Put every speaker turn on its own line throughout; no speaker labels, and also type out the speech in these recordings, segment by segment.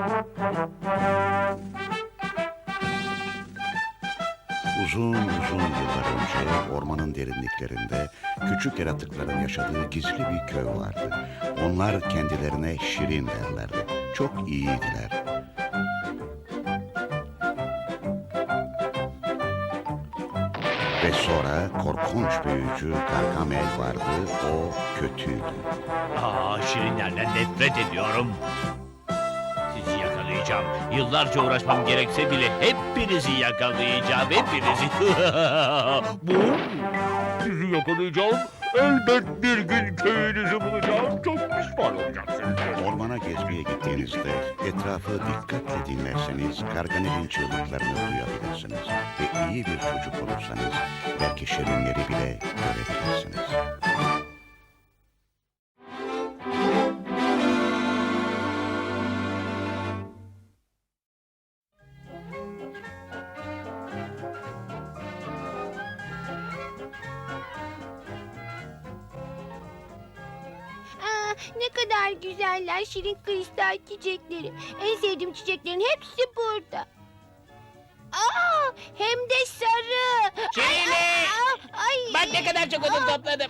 Uzun uzun yıllar önce ormanın derinliklerinde küçük yaratıkların yaşadığı gizli bir köy vardı. Onlar kendilerine Şirin derlerdi. Çok iyiydiler. Ve sonra korkunç büyücü Gargamel vardı. O kötüydü.
Şirinlerden nefret ediyorum. Sizi yakalayacağım. Yıllarca uğraşmam gerekse bile hepinizi yakalayacağım. Hepinizi. Bu? Sizi yakalayacağım. Elbet bir gün köyünüzü bulacağım. Çok pişman olacaksınız.
Ormana gezmeye gittiğinizde etrafı dikkatle dinlerseniz Gargamel'in çığlıklarını duyabilirsiniz. Ve iyi bir çocuk olursanız belki şirinleri bile görebilirsiniz.
Ne kadar güzeller şirin kristal çiçekleri. En sevdiğim çiçeklerin hepsi burada. Hem de sarı.
Şirine!
Ay.
Bak ne kadar çok odun topladım.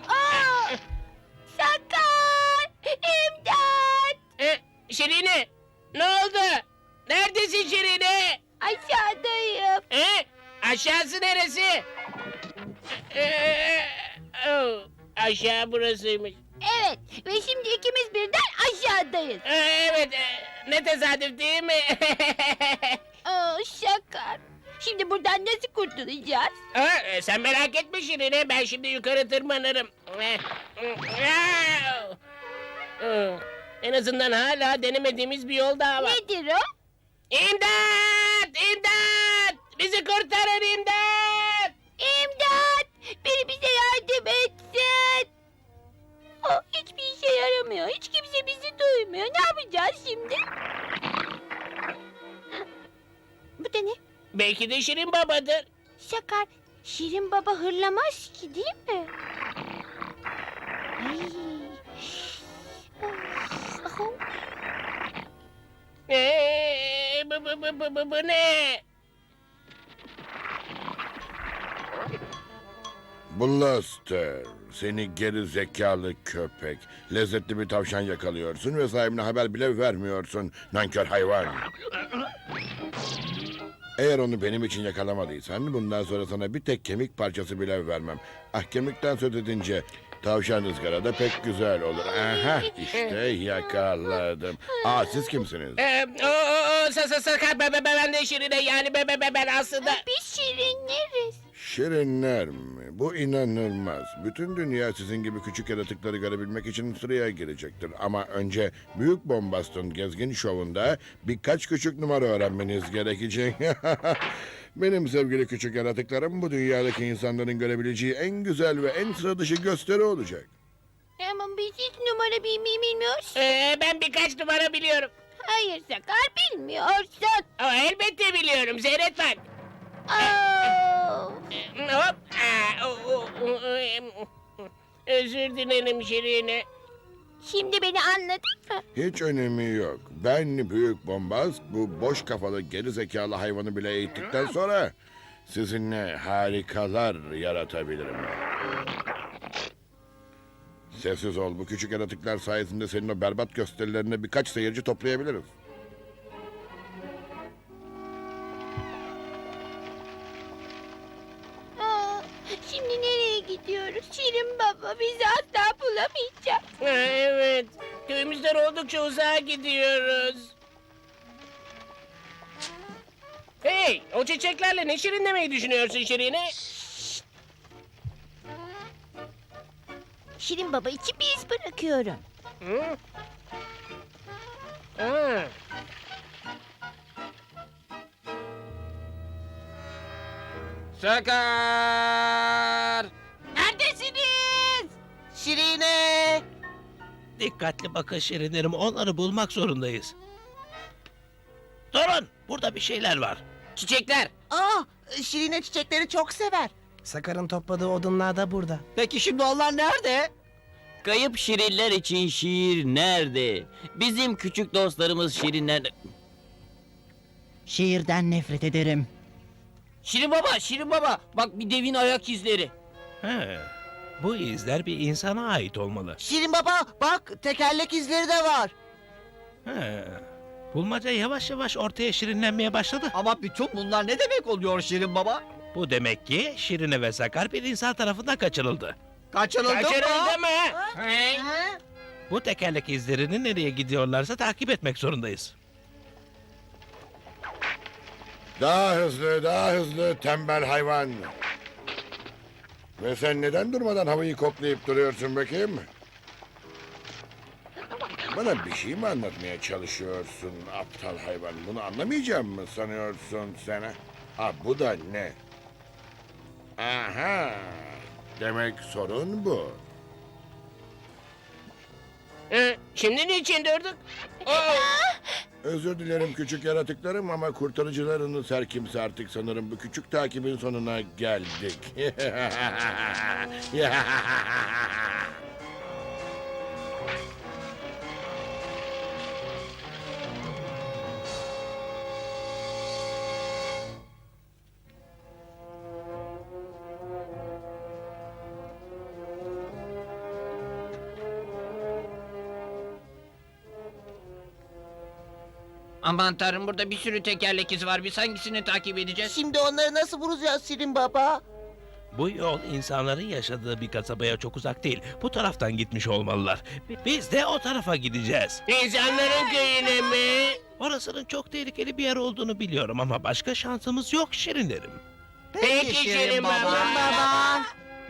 Sakar! İmdat!
Şirine! Ne oldu? Neredesin Şirine?
Aşağıdayım.
Aşağısı neresi? Aşağı burasıymış.
Evet ve şimdi ikimiz birden aşağıdayız.
Evet, ne tesadüf değil mi?
Sakar. Şimdi buradan nasıl kurtulacağız?
Sen merak etme Şirine, ben şimdi yukarı tırmanırım. En azından hala denemediğimiz bir yol daha var.
Nedir o?
İmdat! İmdat! Bizi kurtarın imdat!
İmdat! Biri bize yardım etsin. Hiçbir işe yaramıyor. Hiç kimse bizi duymuyor. Ne yapacağız şimdi? Bu da ne?
Belki de Şirin babadır.
Sakar, Şirin Baba hırlamaz ki değil mi? Ay.
Bu ne?
Blaster, seni geri zekalı köpek. Lezzetli bir tavşan yakalıyorsun ve sahibine haber bile vermiyorsun. Nankör hayvan. Eğer onu benim için yakalamadıysan bundan sonra sana bir tek kemik parçası bile vermem. Kemikten söz edince tavşan ızgarada pek güzel olur. Aha, işte yakaladım. Siz kimsiniz?
Sakar ben de Şirin'e yani ben aslında...
Biz şirinleriz.
Şirinler mi? Bu inanılmaz. Bütün dünya sizin gibi küçük yaratıkları görebilmek için sıraya girecektir. Ama önce Büyük Bombast'ın gezgin şovunda birkaç küçük numara öğrenmeniz gerekecek. Benim sevgili küçük yaratıklarım bu dünyadaki insanların görebileceği en güzel ve en sıra dışı gösteri olacak.
Ama biz hiç numara bilmiyoruz.
Ben birkaç numara biliyorum.
Hayır Sakar bilmiyorsun.
Elbette biliyorum. Seyret bak. Hop. Özür dilerim Şirin'e.
Şimdi beni anladın mı?
Hiç önemi yok. Ben Büyük Bombast bu boş kafalı geri zekalı hayvanı bile eğittikten sonra sizinle harikalar yaratabilirim. Sessiz ol. Bu küçük yaratıklar sayesinde senin o berbat gösterilerine birkaç seyirci toplayabiliriz.
Şimdi nereye gidiyoruz? Şirin Baba bizi asla bulamayacak.
Evet. Köyümüzden oldukça uzağa gidiyoruz. Hey, o çiçeklerle ne şirinlemeyi düşünüyorsun Şirin'e?
Şirin Baba için bir iz bırakıyorum.
Hı? Ha. Sakar!
Neredesiniz?
Şirine!
Dikkatli bakın Şirinlerim. Onları bulmak zorundayız. Durun. Burada bir şeyler var.
Çiçekler!
Şirine çiçekleri çok sever.
Sakar'ın topladığı odunlar da burada.
Peki şimdi onlar nerede?
Kayıp şirinler için şiir nerede? Bizim küçük dostlarımız şirinler...
Şiirden nefret ederim.
Şirin baba, bak bir devin ayak izleri.
He, bu izler bir insana ait olmalı.
Şirin baba bak tekerlek izleri de var.
He, bulmaca yavaş yavaş ortaya şirinlenmeye başladı.
Ama bütün bunlar ne demek oluyor Şirin Baba?
Bu demek ki Şirine ve Sakar bir insan tarafından kaçırıldı.
Kaçırıldı mı?
Kaçırıldı mı? He?
Bu tekerlek izlerini nereye gidiyorlarsa takip etmek zorundayız.
Daha hızlı tembel hayvan. Ve sen neden durmadan havayı koklayıp duruyorsun bakayım? Bana bir şey mi anlatmaya çalışıyorsun aptal hayvan? Bunu anlamayacağım mı sanıyorsun sen? Ha bu da ne? Aha! Demek sorun bu.
Şimdi niçin durduk?
Özür dilerim küçük yaratıklarım ama kurtarıcılarınız her kimse artık sanırım bu küçük takibin sonuna geldik.
Aman tanrım, burada bir sürü tekerlek izi var. Biz hangisini takip edeceğiz?
Şimdi onları nasıl bulacağız Şirin baba?
Bu yol insanların yaşadığı bir kasabaya çok uzak değil. Bu taraftan gitmiş olmalılar. Biz de o tarafa gideceğiz.
İnsanların köyüne mi?
Orasının çok tehlikeli bir yer olduğunu biliyorum ama başka şansımız yok Şirinlerim.
Peki Şirin baba.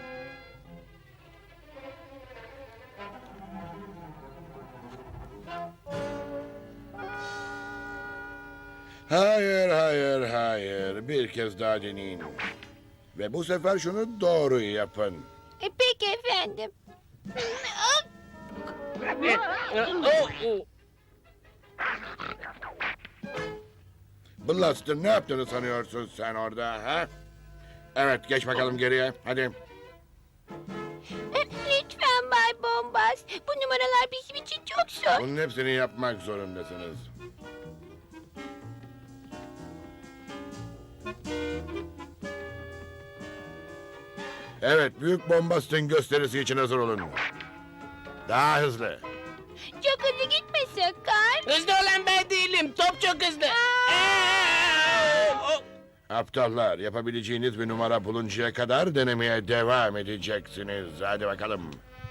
Hayır. Bir kez daha deneyin. Ve bu sefer şunu doğru yapın.
Peki efendim.
Blaster ne yaptığını sanıyorsun sen orada ha? Evet geç bakalım geriye hadi.
Lütfen Bay Bombas. Bu numaralar bizim için çok zor.
Bunun hepsini yapmak zorundasınız. Evet, büyük bombastın gösterisi için hazır olun. Daha hızlı.
Çok hızlı gitme Sakar.
Hızlı olan ben değilim. Top çok hızlı.
Aptallar, yapabileceğiniz bir numara buluncaya kadar denemeye devam edeceksiniz. Hadi bakalım.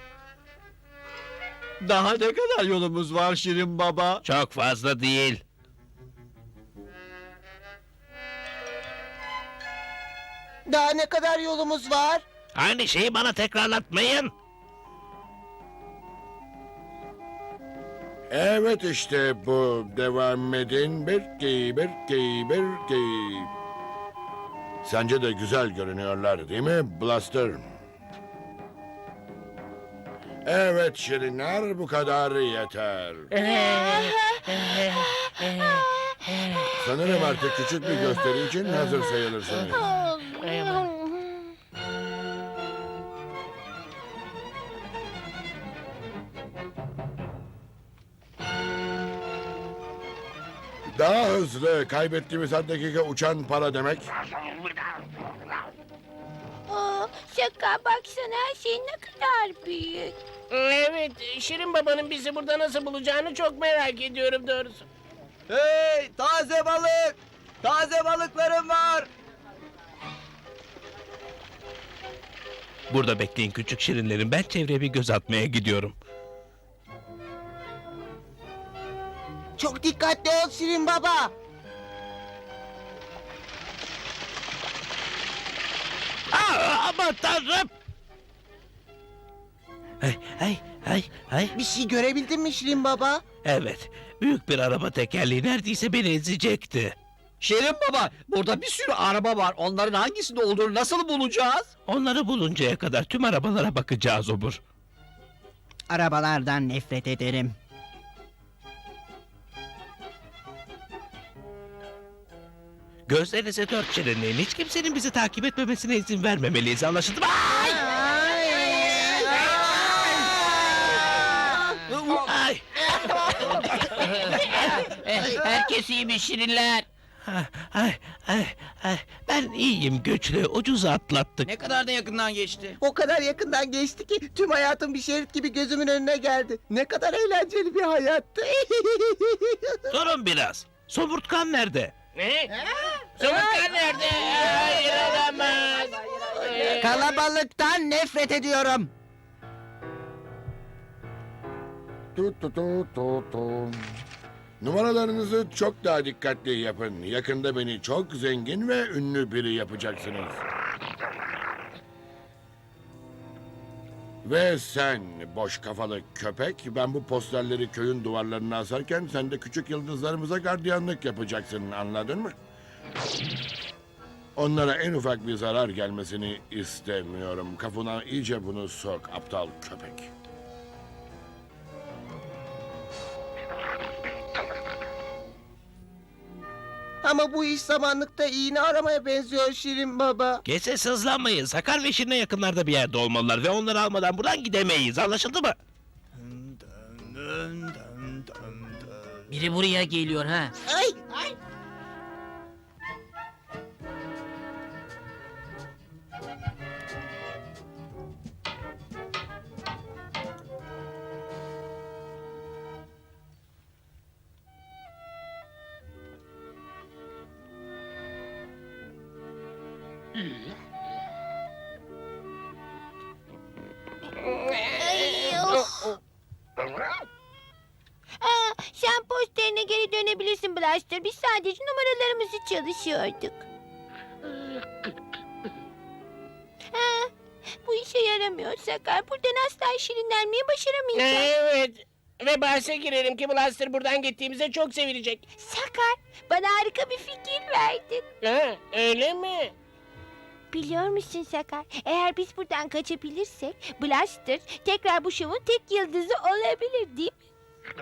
Daha ne kadar yolumuz var Şirin Baba?
Çok fazla değil.
Daha ne kadar yolumuz var?
Aynı şeyi bana tekrarlatmayın.
Evet işte bu. Devam edin. Bir. Sence de güzel görünüyorlar değil mi Blaster? Evet Şirinler bu kadar yeter. Sanırım artık küçük bir gösteri için hazır sayılırsınız. Daha hızlı. Kaybettiğimiz her dakika uçan para demek.
Sakar baksana her şey ne kadar büyük.
Evet, Şirin babanın bizi burada nasıl bulacağını çok merak ediyorum doğrusu.
Hey taze balık! Taze balıklarım var!
Burada bekleyin küçük Şirinlerim. Ben çevreye bir göz atmaya gidiyorum.
Çok dikkatli ol Şirin baba.
Aman tanrım! Hey.
Bir şey görebildin mi Şirin baba?
Evet, büyük bir araba tekerleği neredeyse beni ezecekti.
Şirin Baba, burada bir sürü araba var. Onların hangisinde olduğunu nasıl bulacağız?
Onları buluncaya kadar tüm arabalara bakacağız obur.
Arabalardan nefret ederim.
Gözlerinize dört şirinleyin. Hiç kimsenin bizi takip etmemesine izin vermemeliyiz. Anlaşıldı mı? Ay! Ay!
Herkes iyi mi Şirinler?
Ay, ben iyiyim güçlü. Ucuz atlattık.
Ne kadar da yakından geçti.
O kadar yakından geçti ki tüm hayatım bir şerit gibi gözümün önüne geldi. Ne kadar eğlenceli bir hayattı.
Durun biraz. Somurtkan nerede?
Ne? Somurtkan nerede? Hayır olamaz.
Kalabalıktan nefret ediyorum.
Tu tu tu tu tu. Numaralarınızı çok daha dikkatli yapın. Yakında beni çok zengin ve ünlü biri yapacaksınız. Ve sen boş kafalı köpek, ben bu posterleri köyün duvarlarına asarken sen de küçük yıldızlarımıza gardiyanlık yapacaksın, anladın mı? Onlara en ufak bir zarar gelmesini istemiyorum. Kafana iyice bunu sok, aptal köpek.
Ama bu iş samanlıkta iğne aramaya benziyor Şirin Baba.
Gece sızlanmayın. Sakar ve Şirin'e yakınlarda bir yerde olmalılar ve onları almadan buradan gidemeyiz. Anlaşıldı mı?
Biri buraya geliyor ha.
Ay, ay.
Ay, of. Sen posterine geri dönebilirsin Blaster. Biz sadece numaralarımızı çalışıyorduk. Bu işe yaramıyor Sakar. Buradan asla şirinlenmeyi başaramayacağız.
Evet. Ve bahse girelim ki Blaster buradan gittiğimizde çok sevilecek.
Sakar, bana harika bir fikir verdin.
Ha, öyle mi?
Biliyor musun Sakar? Eğer biz buradan kaçabilirsek Blaster tekrar bu şovun tek yıldızı olabilir değil mi?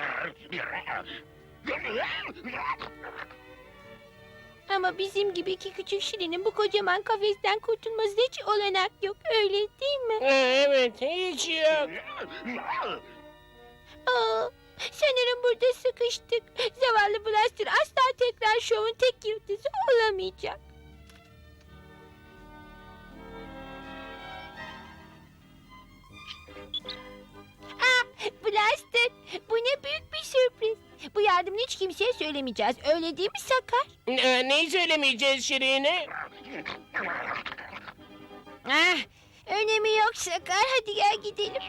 Ama bizim gibi iki küçük şirinin bu kocaman kafesten kurtulması hiç olanak yok. Öyle değil mi?
Evet, hiç yok.
Sanırım burada sıkıştık. Zavallı Blaster asla tekrar şovun tek yıldızı olamayacak. Blaster, bu ne büyük bir sürpriz. Bu yardımını hiç kimseye söylemeyeceğiz. Öyle değil mi Sakar?
Neyi söylemeyeceğiz Şirin'e?
Önemi yok Sakar. Hadi gel gidelim.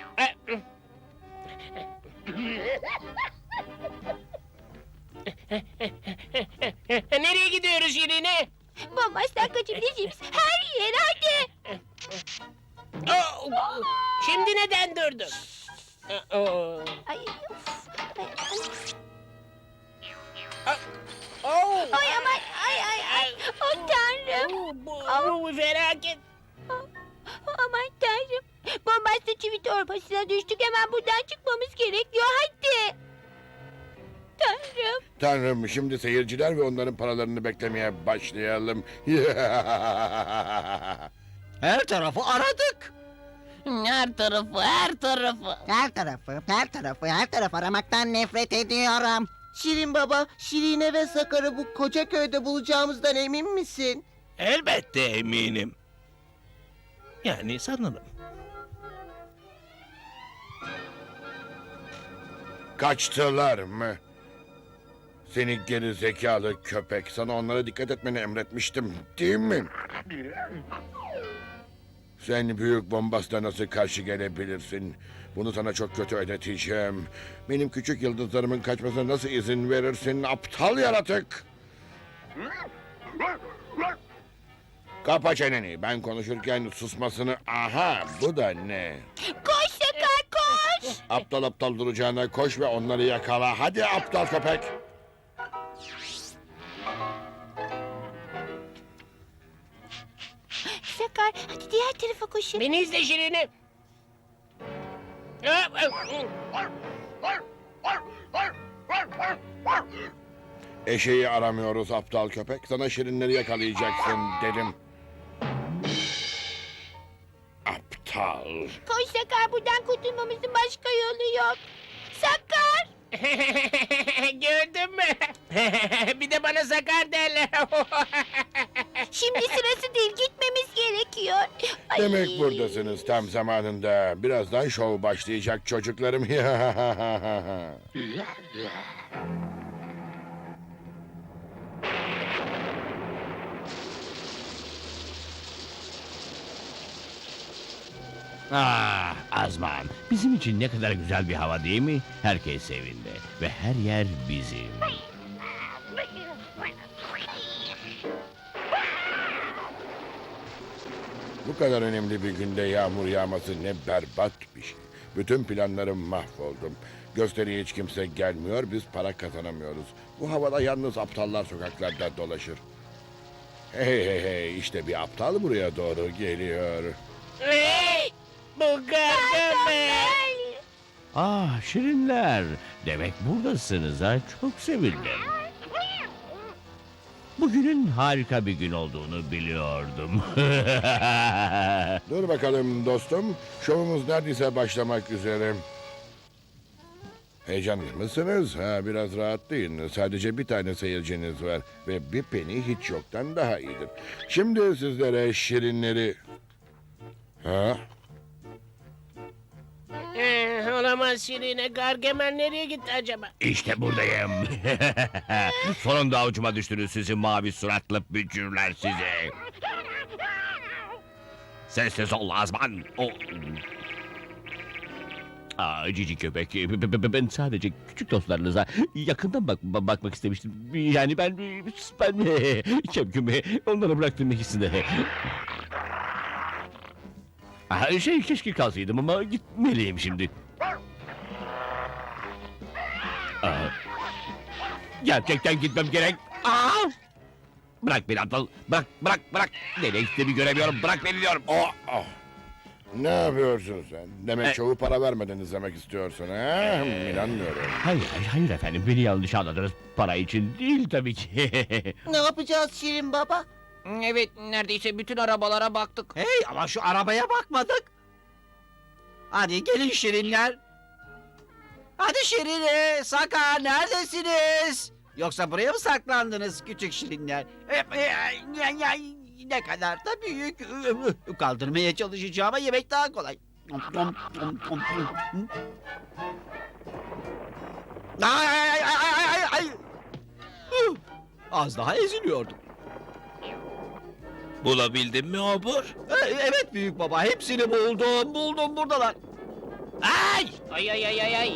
Nereye gidiyoruz Şirin'e?
Bombastan kaçabileceğimiz her yere hadi.
Şimdi neden durdun?
Ay, of.
Oh.
Ay aman ay. Oh tanrım.
Bu bir felaket.
Aman tanrım. Bombastan çivi torbasına düştük. Hemen buradan çıkmamız gerekiyor. Hadi. Tanrım.
Tanrım, şimdi seyirciler ve onların paralarını beklemeye başlayalım.
Her tarafı aradık.
Her tarafı aramaktan nefret ediyorum. Şirin Baba, Şirine ve Sakar'ı bu koca köyde bulacağımızdan emin misin?
Elbette eminim. Yani sanırım.
Kaçtılar mı? Seni geri zekalı köpek. Sana onlara dikkat etmeni emretmiştim, değil mi? Sen büyük bombasla nasıl karşı gelebilirsin? Bunu sana çok kötü ödeteceğim. Benim küçük yıldızlarımın kaçmasına nasıl izin verirsin, aptal yaratık? Kapa çeneni. Ben konuşurken susmasını... Aha, bu da ne?
Koş Sakar koş.
Aptal aptal duracağına koş ve onları yakala. Hadi aptal köpek.
Sakar hadi diğer tarafa koşun.
Beni izle Şirin'e.
Eşeği aramıyoruz aptal köpek. Sana şirinleri yakalayacaksın dedim. Aptal.
Koş Sakar buradan kurtulmamızın başka yolu yok. Sakar.
Gördün mü? Bir de bana sakar derler.
Şimdi sırası değil, gitmemiz gerekiyor. Ay.
Demek buradasınız tam zamanında. Birazdan şov başlayacak çocuklarım.
Ah Azman, bizim için ne kadar güzel bir hava değil mi? Herkes evinde ve her yer bizim.
Bu kadar önemli bir günde yağmur yağması ne berbat bir şey. Bütün planlarım mahvoldum. Gösteriye hiç kimse gelmiyor, biz para kazanamıyoruz. Bu havada yalnız aptallar sokaklarda dolaşır. Hey hey hey, işte bir aptal buraya doğru geliyor.
Hey! Bu Gargamel.
Ah şirinler, demek buradasınız ha, çok sevindim. Bugünün harika bir gün olduğunu biliyordum.
Dur bakalım dostum, şovumuz neredeyse başlamak üzere. Heyecanlı mısınız? Ha, biraz rahatlayın. Sadece bir tane seyirciniz var ve bir peni hiç yoktan daha iyidir. Şimdi sizlere şirinleri... Ha?
Olamaz Şirine. Gargamel nereye gitti acaba?
İşte buradayım. Sonunda avucuma düştünüz sizi mavi suratlı bücürler sizi. Sessiz ol Azman. Cici köpek. Ben sadece küçük dostlarınıza yakından bakmak istemiştim. Yani ben Şevküm'ü onlara bıraktım ikisini. Keşke kalsaydım ama gitmeliyim şimdi. Gerçekten gitmem gerek. Bırak beni aptal. Bırak. Nereye gittiğimi göremiyorum. Bırak beni diyorum.
Ne yapıyorsun sen? Demek şovu para vermeden izlemek istiyorsun ha? İnanmıyorum.
Hayır efendim. Beni yanlış anladınız. Para için değil tabii ki.
Ne yapacağız Şirin Baba?
Evet, neredeyse bütün arabalara baktık.
Hey ama şu arabaya bakmadık. Hadi gelin şirinler. Hadi Şirine, Sakar neredesiniz? Yoksa buraya mı saklandınız küçük şirinler? Ne kadar da büyük. Kaldırmaya çalışacağıma yemek daha kolay. Ay. Az daha eziliyordum.
Bulabildin mi obur?
Evet büyük baba, hepsini buldum buradalar.
Ay.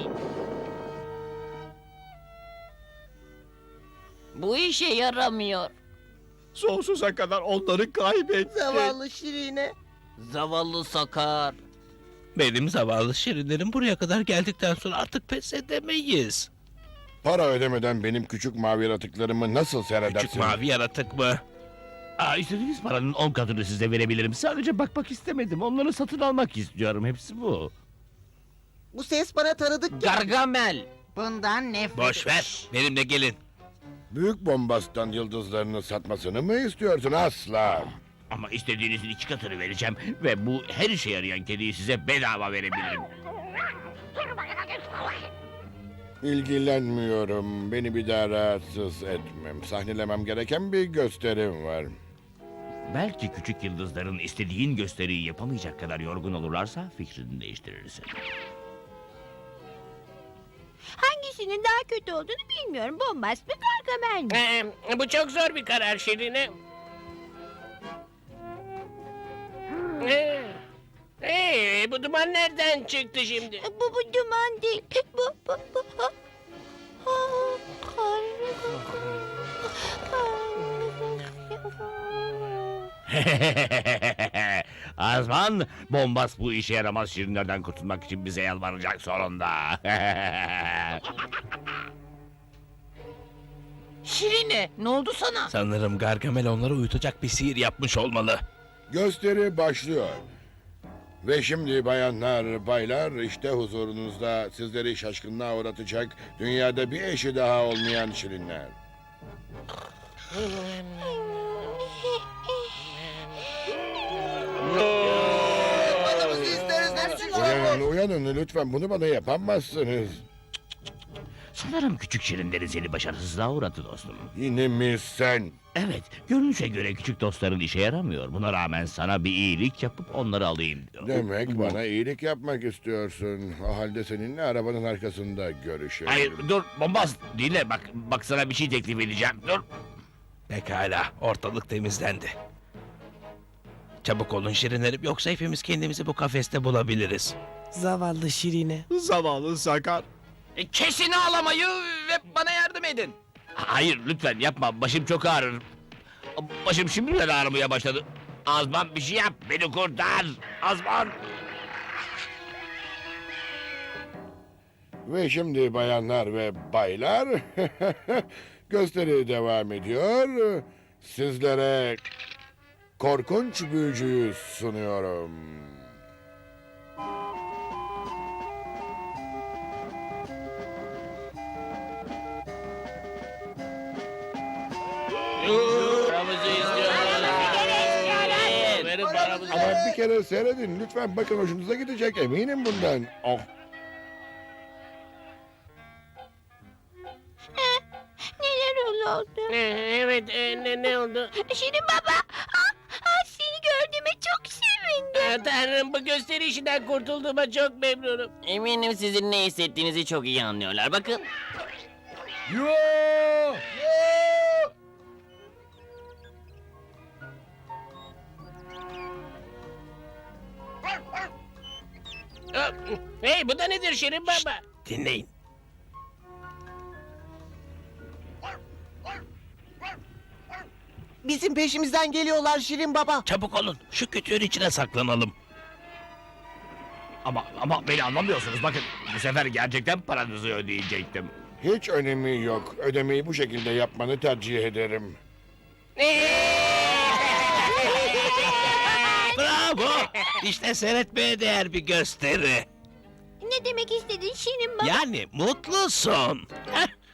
Bu işe yaramıyor.
Sonsuza kadar onları kaybettim.
Zavallı Şirine.
Zavallı Sakar.
Benim zavallı şirinlerim buraya kadar geldikten sonra artık pes edemeyiz.
Para ödemeden benim küçük mavi yaratıklarımı nasıl seyredersin?
Küçük mavi yaratık mı?
İstediğiniz paranın 10 katını size verebilirim. Sadece bakmak istemedim. Onları satın almak istiyorum. Hepsi bu.
Bu ses bana tanıdık geldi.
Gargamel.
Bundan nefret
Boş ver. Benimle gelin.
Büyük bombastan yıldızlarını satmasını mı istiyorsun? Asla.
Ama istediğinizin 2 katını vereceğim. Ve bu her işe yarayan kediyi size bedava verebilirim.
İlgilenmiyorum. Beni bir daha rahatsız etmem. Sahnelemem gereken bir gösterim var.
Belki küçük yıldızların istediğin gösteriyi yapamayacak kadar yorgun olurlarsa fikrini değiştirirsin.
Hangisinin daha kötü olduğunu bilmiyorum. Bombast mı, Gargamel mi?
Bu çok zor bir karar Şirine. Bu duman nereden çıktı şimdi?
Bu duman değil. Bu.
Azman, bombas bu işe yaramaz şirinlerden kurtulmak için bize yalvaracak sonunda.
Şirine, ne oldu sana?
Sanırım Gargamel onları uyutacak bir sihir yapmış olmalı.
Gösteri başlıyor. Ve şimdi bayanlar, baylar, işte huzurunuzda sizleri şaşkınlığa uğratacak dünyada bir eşi daha olmayan şirinler.
Uyanın
Uyanın lütfen, bunu bana yapamazsınız.
Sanırım küçük şirinleri seni başarısızlığa uğradı dostum.
Yine mi sen?
Evet, görünüşe göre küçük dostların işe yaramıyor. Buna rağmen sana bir iyilik yapıp onları alayım diyor.
Demek bana iyilik yapmak istiyorsun. O halde seninle arabanın arkasında görüşelim.
Hayır, dur bombaz. Dinle bak sana bir şey teklif edeceğim. Dur.
Pekala, ortalık temizlendi. Çabuk olun şirinlerim, yoksa hepimiz kendimizi bu kafeste bulabiliriz.
Zavallı Şirine.
Zavallı Sakar.
Kesin ağlamayı ve bana yardım edin.
Hayır lütfen yapma, başım çok ağrır. Başım şimdiden ağrımaya başladı. Azman bir şey yap, beni kurtar. Azman.
Ve şimdi bayanlar ve baylar, gösteri devam ediyor. Sizlere korkunç büyücüyü sunuyorum.
Paramızı istiyoruz. Verin paramızı.
Ama bir kere seyredin lütfen, bakın hoşunuza gidecek, eminim bundan. Oh.
Neler oldu?
Evet, ne oldu?
Şirin baba. Seni gördüğüme çok sevindim.
Tanrım, bu gösteri işinden kurtulduğuma çok memnunum.
Eminim sizin ne hissettiğinizi çok iyi anlıyorlar. Bakın.
Hey, bu da nedir Şirin Baba?
Dinleyin.
Bizim peşimizden geliyorlar Şirin Baba.
Çabuk olun, şu kütüğün içine saklanalım.
Ama beni anlamıyorsunuz. Bakın bu sefer gerçekten paranızı ödeyecektim.
Hiç önemi yok. Ödemeyi bu şekilde yapmanı tercih ederim.
Bravo! İşte seyretmeye değer bir gösteri.
Ne demek istedin Şirin baba?
Yani mutlusun. Heh,